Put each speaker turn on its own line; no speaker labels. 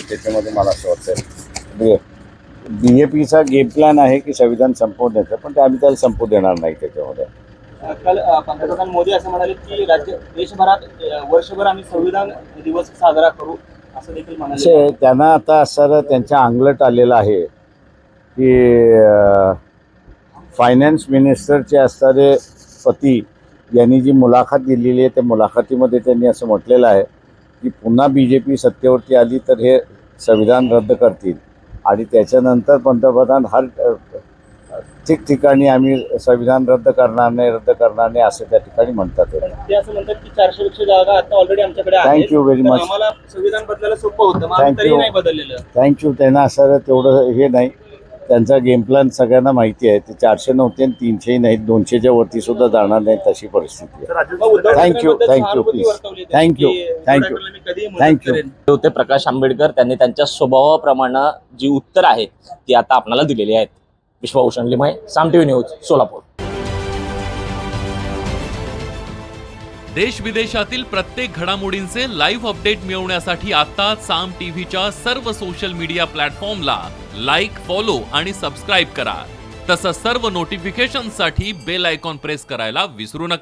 त्याच्यामध्ये मला असं वाटतं BJPचा गेम प्लॅन आहे की संविधान संपवण्याचं, पण ते आम्ही त्याला संपू देणार नाही. त्याच्यामध्ये
काल पंतप्रधान मोदी असं म्हणाले की देशभरात वर्षभर आम्ही संविधान दिवस साजरा करू असं देखील म्हणाले.
त्यांना आता असं त्यांच्या अंगलट आलेलं आहे की फायनान्स मिनिस्टरचे असणारे पती यांनी जी मुलाखत दिलेली आहे त्या मुलाखतीमध्ये त्यांनी असं म्हटलेलं आहे की पुन्हा BJP सत्तेवरती आली तर हे संविधान रद्द करतील आणि त्याच्यानंतर पंतप्रधान हर ठिकठिकाणी आम्ही संविधान रद्द करणार नाही असं त्या ठिकाणी म्हणतात.
ते असं म्हणतात की 400 पेक्षा जागा आता ऑलरेडी आमच्याकडे आहेत.
Thank you very much.
आम्हाला संविधान बदलायला सोपं होतं, मग आम्ही तरी नाही बदललेलं.
थँक्यू. त्यांना असं तेवढं हे नाही. त्यांचा गेम प्लॅन सगळ्यांना माहिती आहे. ते 400 नव्हते आणि 300 नाहीत, 200च्या वरती सुद्धा जाणार नाही तशी परिस्थिती आहे. थँक्यू
होते प्रकाश आंबेडकर, त्यांनी त्यांच्या स्वभावाप्रमाणे जी उत्तर आहेत ती आता आपल्याला दिलेली आहेत. Vishwabhushan Limaye, Saam TV news, Solapur.
देश विदेशातील प्रत्येक घडामोडींचे लाईव्ह अपडेट मिळवण्यासाठी आता साम टीव्हीच्या सर्व सोशल मीडिया प्लॅटफॉर्मला लाईक, फॉलो आणि सबस्क्राईब करा. तसंच सर्व नोटिफिकेशनसाठी बेल आयकॉन प्रेस करायला विसरू नका.